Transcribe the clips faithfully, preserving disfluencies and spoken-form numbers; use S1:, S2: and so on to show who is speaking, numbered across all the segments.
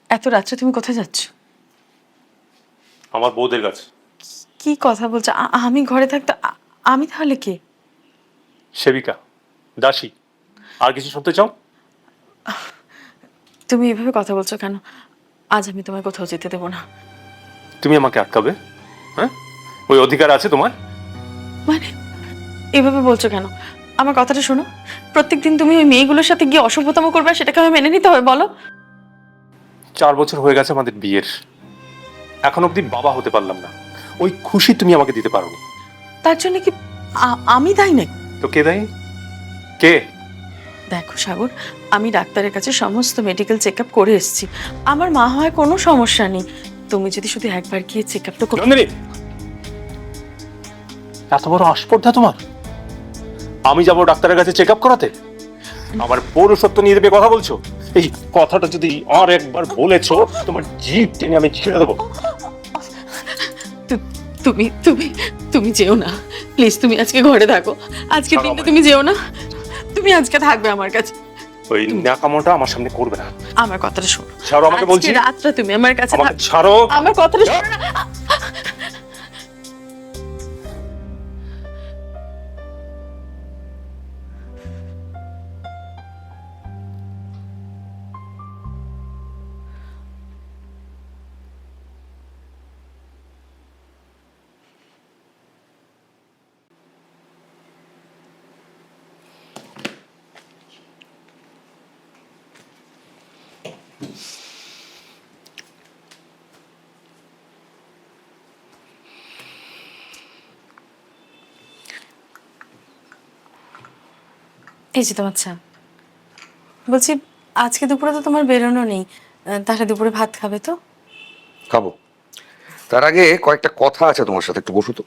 S1: এত রাত্রে তুমি কোথায় যাচ্ছ?
S2: আমার বউদের কাছে।
S1: কি কথা বলছো? আ- আমি ঘরে থাকতে আ- আমি তাহলে কে?
S2: সেবিকা, দাসী, আর কিছু শুনতে চাও?
S1: তুমি এভাবে কথা বলছো কেন? আজ আমি তোমায় কোথাও যেতে দেবো না।
S2: তুমি আমাকে আটকাবে? হ্যাঁ, ওই অধিকার আছে তোমার?
S1: মানে এভাবে বলছো কেন? আমার কথাটা শোনো। প্রত্যেকদিন তুমি ওই মেয়েগুলোর সাথে গিয়ে অসভ্যতম করবে, আর সেটাকে আমি মেনে নিতে হবে? বলো।
S2: চার বছর হয়ে গেছে আমাদের বিয়ের, এখন অব্দি বাবা হতে পারলাম না। ওই খুশি তুমি আমাকে দিতে পারোনি।
S1: তার জন্য কি আ- আমি দায়ী নাকি?
S2: তো কে দায়ী? কে?
S1: দেখো সাগর, আমি ডাক্তারের কাছে সমস্ত মেডিকেল চেক আপ করে এসেছি। আমার মা হয় কোনো সমস্যা নেই। তুমি যদি শুধু একবার গিয়ে চেক আপ তো করো।
S2: নন্দিনী, এত বড় আস্পর্ধা তোমার? আমি যাবো ডাক্তারের কাছে চেক আপ করাতে? আমার পৌরসত্ব নিয়ে দেবে কথা বলছো? এই কথাটা যদি আর একবার বলেছো, তোমার জিভ টেনে আমি ছেড়ে দেবো।
S1: তু- তুমি তুমি তুমি যেও না প্লিজ। তুমি আজকে ঘরে থাকো। আজকে
S2: ছাড়ো
S1: দিনটা
S2: আমায়।
S1: তুমি যেও না। তুমি আজকে থাকবে আমার কাছে।
S2: ওই ন্যাকামোটা আমার সামনে করবে না।
S1: আমার কথাটা শোনো।
S2: ছাড়ো আমাকে
S1: আজকে
S2: বলছি।
S1: রাতটা তুমি আমার কাছে
S2: আমাকে
S1: থাক-
S2: ছাড়ো।
S1: আমার কথাটা শোনো না। এই যে তোমার চা। বলছি, আজকে দুপুরে তো তোমার বেরোনো নেই, আহ, তাহলে দুপুরে ভাত খাবে তো?
S3: খাবো। তার আগে কয়েকটা কথা আছে তোমার সাথে, একটু বসো তো।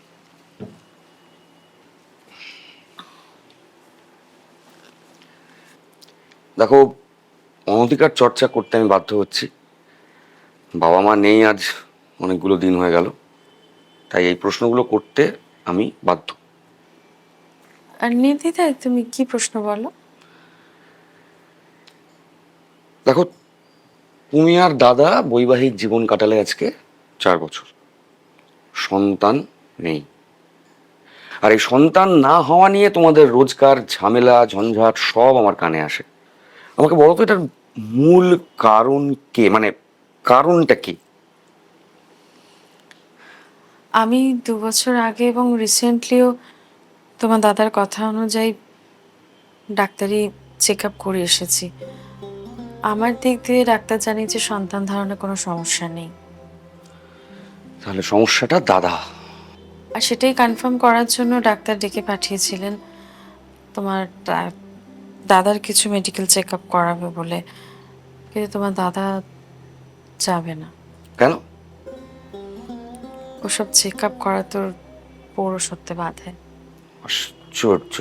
S3: দেখো, অনধিকার চর্চা করতে আমি বাধ্য হচ্ছি। বাবা মা নেই আজ অনেকগুলো দিন হয়ে গেল, তাই এই প্রশ্নগুলো করতে আমি বাধ্য।
S1: আর নির্দ্বিধায় তুমি কি প্রশ্ন বলো।
S3: দেখো, তুমি আর দাদা বৈবাহিক জীবন কাটালে আজকে চার বছর, সন্তান নেই। আর এই সন্তান না হওয়া নিয়ে তোমাদের রোজকার ঝামেলা ঝঞ্ঝাট সব আমার কানে আসে। আমাকে বলো তো, এটার মূল কারণ কে, মানে কারণটা কি?
S1: আমি দু বছর আগে এবং রিসেন্টলিও তোমার দাদার কথা অনুযায়ী ডাক্তারি চেক আপ করে এসেছি। আমার দিক দিয়ে ডাক্তার জানিয়েছে সন্তান ধারণে কোনো সমস্যা নেই।
S3: তাহলে সমস্যাটা দাদা।
S1: আর সেটাই কনফার্ম করার জন্য ডাক্তার ডেকে পাঠিয়েছিলেন তোমার দা- দাদার কিছু মেডিকেল চেক আপ করাবে বলে। কিন্তু তোমার দাদা যাবে না।
S3: কেন?
S1: ওসব চেক আপ করা তোর পৌরসত্বে বাধে।
S3: আশ্চর্য।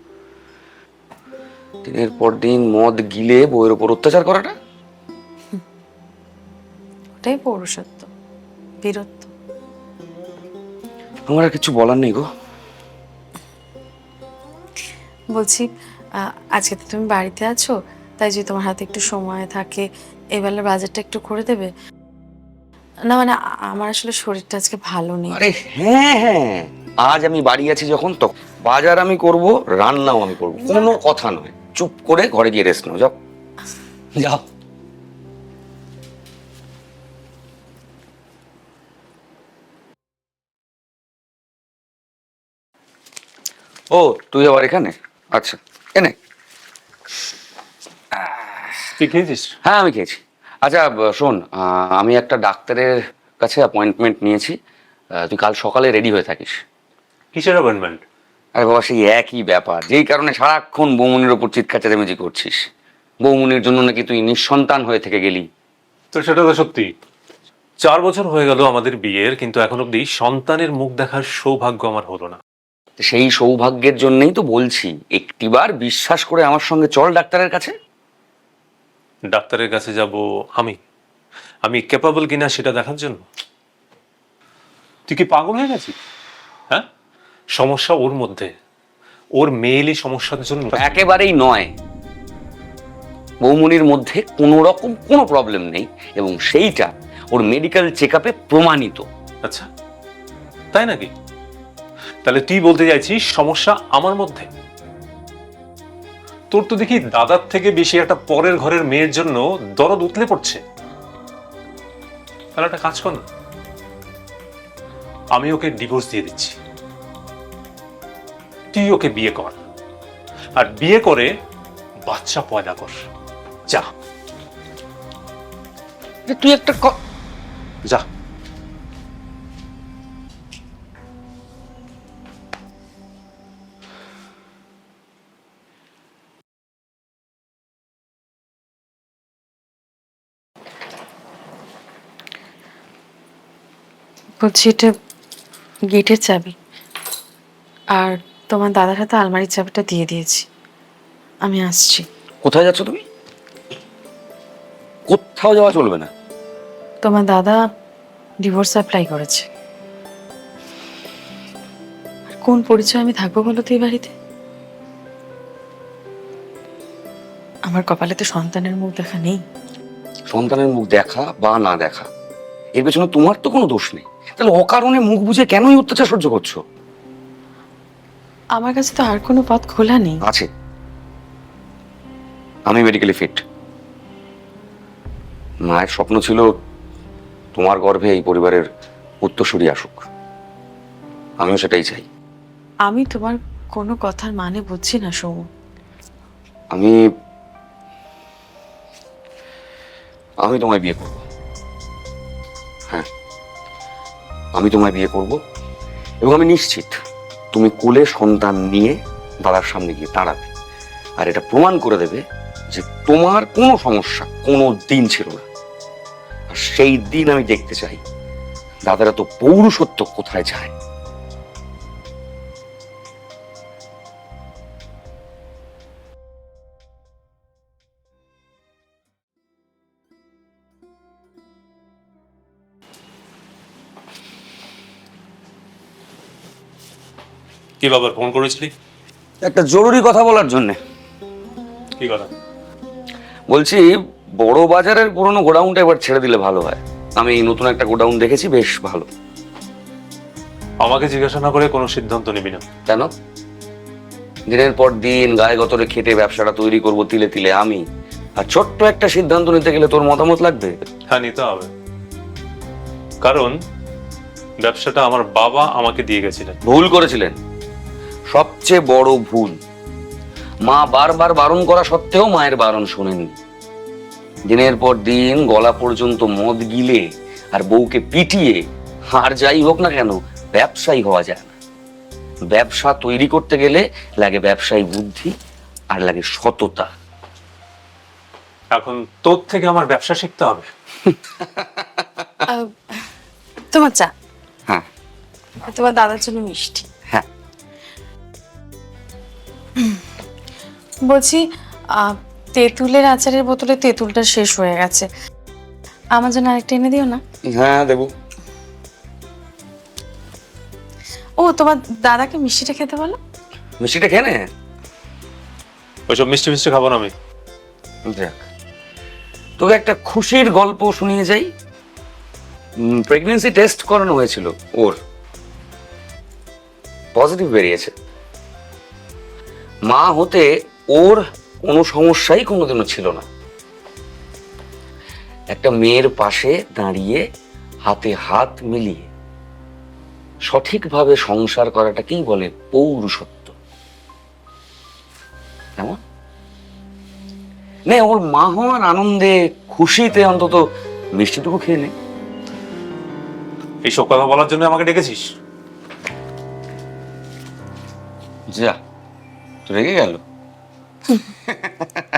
S3: দিনের পর দিন মদ গিলে বউয়ের উপর অত্যাচার করাটা।
S1: ওটাই পৌরসত্ব, বীরত্ব।
S3: আমার আর কিছু বলার নেই গো।
S1: বলছি, আহ, আজকে তো তুমি বাড়িতে আছো, তাই যদি তোমার হাতে একটু সময় থাকে এবেলার বাজারটা একটু করে দেবে না? মানে আ- আমার আসলে শরীরটা আজকে ভালো নেই।
S3: আরে হ্যাঁ হ্যাঁ, আজ আমি বাড়ি আছি যখন, তো বাজার আমি করব, রান্নাও আমি করব, কোনো কথা নয়। চুপ করে ঘরে গিয়ে রেস্ট নাও, যাও যাও। ও, তুই আবার এখানে? আচ্ছা, এনে।
S2: তুই খেয়েছিস?
S3: হ্যাঁ, আমি খেয়েছি। আচ্ছা, ব- শোন, আহ, আমি একটা ডাক্তারের কাছে অ্যাপয়েন্টমেন্ট নিয়েছি। আহ, তুই কাল সকালে রেডি হয়ে থাকিস।
S2: কিসের অ্যাপয়েন্টমেন্ট?
S3: আরে বাবা, সেই একই ব্যাপার, যেই কারণে সারাক্ষণ বৌমনির ওপর চিৎকার চেঁচামেচি করছিস। বৌমনির জন্য নাকি তুই নিঃসন্তান হয়ে থেকে গেলি।
S2: তো সেটা তো সত্যি। চার বছর হয়ে গেল আমাদের বিয়ের, কিন্তু এখন অব্দি সন্তানের মুখ দেখার সৌভাগ্য আমার হলো না।
S3: সেই সৌভাগ্যের জন্যই তো বলছি, একটিবার বিশ্বাস করে আমার সঙ্গে চল ডাক্তারের কাছে।
S2: ডাক্তারের কাছে যাব আমি? আমি ক্যাপাবল কিনা সেটা দেখার জন্য? তুই কি পাগল হয়ে গেছিস? হ্যাঁ, সমস্যা ওর মধ্যে, ওর মেয়েলি সমস্যার জন্য।
S3: একেবারেই নয়। বৌমনির মধ্যে কোনো রকম কোনো প্রবলেম নেই, এবং সেইটা ওর মেডিকেল চেক আপে প্রমাণিত।
S2: আচ্ছা, তাই নাকি? তাহলে তুই বলতে চাইছিস সমস্যা আমার মধ্যে? তোর তো দেখি দাদার থেকে বেশি একটা পরের ঘরের মেয়ের জন্য দরদ উতলে পড়ছে। তাহলে একটা কাজ কর না, আমি ওকে ডিভোর্স দিয়ে দিচ্ছি, তুই ওকে বিয়ে কর, আর বিয়ে করে বাচ্চা পয়দা কর। যা
S3: তুই একটা ক-
S2: যা।
S1: বলছি এটা গেটের চাবি, আর তোমার দাদার হাতে আলমারির চাবিটা দিয়ে দিয়েছি। আমি আসছি।
S3: কোথায় যাচ্ছ তুমি? কোথাও যাওয়া চলবে না।
S1: তোমার দাদা ডিভোর্স অ্যাপ্লাই করেছে। আর কোন পরিচয় আমি থাকবো বলো তো এই বাড়িতে? আমার কপালে তো সন্তানের মুখ দেখা নেই।
S3: সন্তানের মুখ দেখা বা না দেখা, এর পেছনে তোমার তো কোনো দোষ নেই। তাহলে অকারণে মুখ বুঝে কেনই অত্যাচার সহ্য করছো?
S1: আমার কাছে তো আর কোনো পথ খোলা নেই।
S3: আছে, আমি মেডিকেলি ফিট। মায়ের স্বপ্ন ছিল তোমার গর্ভে এই পরিবারের উত্তরসূরি আসুক, আমিও সেটাই চাই।
S1: আমি তোমার কোনো কথার মানে বুঝছি না সৌম।
S3: আমি আমি তোমায় বিয়ে করব। হ্যাঁ, আমি তোমায় বিয়ে করব, এবং আমি নিশ্চিত তুমি কোলে সন্তান নিয়ে দাদার সামনে গিয়ে দাঁড়াবে, আর এটা প্রমাণ করে দেবে যে তোমার কোনো সমস্যা কোনো দিন ছিল না। আর সেই দিন আমি দেখতে চাই দাদারা তো পৌরুষত্ব কোথায় যায়।
S2: কি বাবার ফোন করেছিলি?
S3: একটা জরুরি কথা বলার জন্য।
S2: কি কথা?
S3: বলছি, বড় বাজারের পুরনো গোডাউনটা এবার ছেড়ে দিলে ভালো হয়। আমি নতুন একটা গোডাউন দেখেছি, বেশ ভালো।
S2: আমাকে জিজ্ঞাসা না করে কোনো সিদ্ধান্ত নিবি না।
S3: কেন? দিনের পর দিন গায়ে গতরে খেটে ব্যবসাটা তৈরি করব তিলে তিলে আমি, আর ছোট্ট একটা সিদ্ধান্ত নিতে গেলে তোর মতামত লাগবে।
S2: হ্যাঁ, নিতে হবে, কারণ ব্যবসাটা আমার বাবা আমাকে দিয়ে গেছিলেন।
S3: ভুল করেছিলেন, সবচেয়ে বড় ভুল। মা বারবার বারণ করা সত্ত্বেও মায়ের বারণ শোনেননি। দিনের পর দিন গলা পর্যন্ত মদ গিলে আর বউকে পিটিয়ে, আর যাই হোক না কেন, ব্যবসায়ী হওয়া যায় না। ব্যবসা তৈরি করতে গেলে লাগে ব্যবসায়ী বুদ্ধি আর লাগে সততা।
S2: এখন তোর থেকে আমার ব্যবসা শিখতে হবে।
S1: আহ, তোমার চা,
S3: হ্যাঁ
S1: তোমার দাদার জন্য মিষ্টি।
S3: হ্যাঁ,
S1: বলছি আহ, তেঁতুলের আচারের বোতলে তেঁতুলটা শেষ হয়ে গেছে, আমার জন্য আরেকটা এনে দিও না।
S3: হ্যাঁ দেবো।
S1: ও তোমার দাদাকে মিষ্টিটা খেতে বলো।
S3: মিষ্টিটা খেয়ে নে।
S2: ওইসব মিষ্টি মিষ্টি খাবো না আমি।
S3: যাক, তোকে একটা খুশির গল্প শুনিয়ে যাই। প্রেগনেন্সি টেস্ট করানো হয়েছিল, ওর পজিটিভ বেরিয়েছে। মা হতে ওর কোনো সমস্যাই কোনোদিনও ছিল না। একটা মেয়ের পাশে দাঁড়িয়ে হাতে হাত মিলিয়ে সঠিকভাবে সংসার করাটাকেই বলে পৌরুষত্ব। কেমন? নে, ওর মা হওয়ার আনন্দে খুশিতে অন্তত মিষ্টিটুকু খেয়ে নে।
S2: এইসব কথা বলার জন্য আমাকে ডেকেছিস?
S3: যা, তো রেগে গেল।